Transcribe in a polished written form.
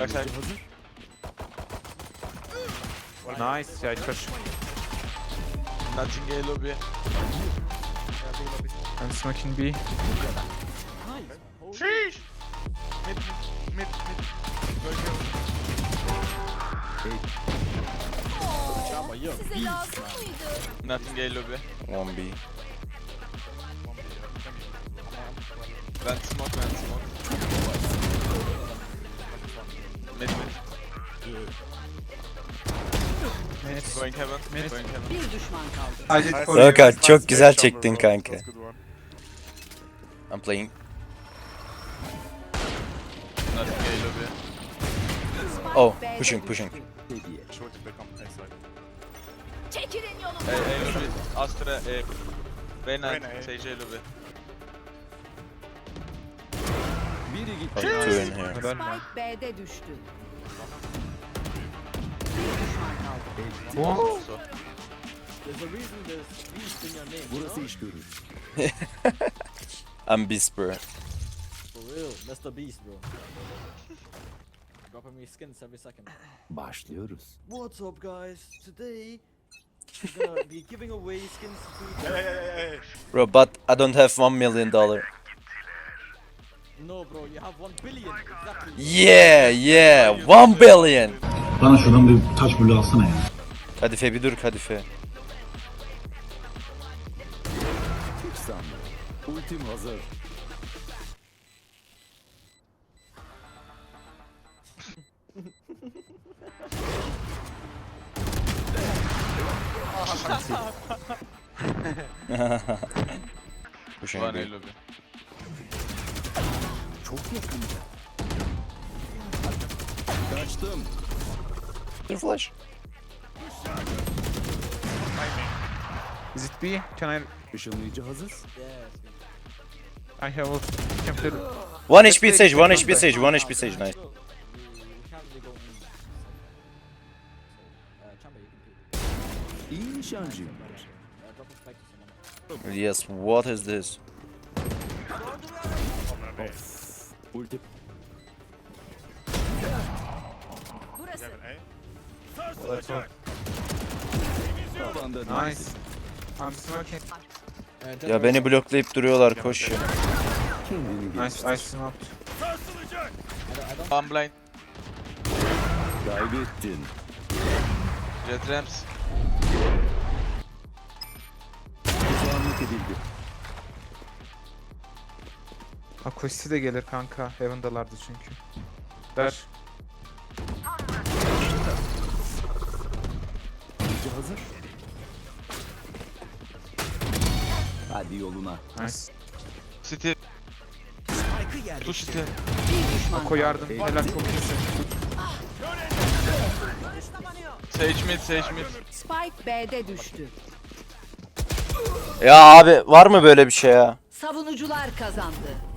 Backside. Nice. Yeah, it's push. Nothing A lobby. I'm smoking B. Sheesh. Mid. Size lazım mıydı? Nothing A lobby. 1B. Vent smoke. Mid. Going heaven. Going heaven. Bir düşman kaldı. Roka çok güzel çektin kanka. I'm playing. Nothing A lobby. Oh, pushing. Çekilin A yolumdan. lobby. Astra A. Reyna. Sage A lobby. Oh, two in here. Helal lan. Spike B'de düştü. Oh. So. Burası iş görür. I'm beast bro. For real, that's the beast, bro. Dropping me skins every second. Başlıyoruz. What's up, guys? Today, we're gonna be giving away skins to. Bro, but I don't have $1 million. No, bro, you have 1 billion. Exactly. Yeah, 1 billion. Bana şuradan bir taş bulu alsana ya. Kadife bir dur Kadife. Hiç sanmıyorum. Ultim hazır. Pushing One A B. lobby. Çok yakında. Kaçtım. Bir flash. Is it B? Can Işınlayıcı hazır. Yes. I have ult. Can play. 1 HP Sage, 1 HP Sage, 1 HP Sage, nice. We can't really go in. Chamber, you can pick. İyi nişancıyım. Drop a spike to someone. Yes, what is this? Ulti. Burası. Tavanda Nice. I'm smoking. Ya beni bloklayıp duruyorlar, koş ya. kendini geliştir. Nice. I smoked. One blind. Kaybettin. Jet ramps. Tuzağınlık edildi. Akosti de gelir kanka. Heaven'dalardı çünkü. Ver. Ulti hazır. Hadi yoluna. Nice. City. Two city. Bir düşman Ako kaldı. yardım. Helal çok iyisin. Sage mid. Spike B'de düştü. Ya abi var mı böyle bir şey ya? Savunucular kazandı.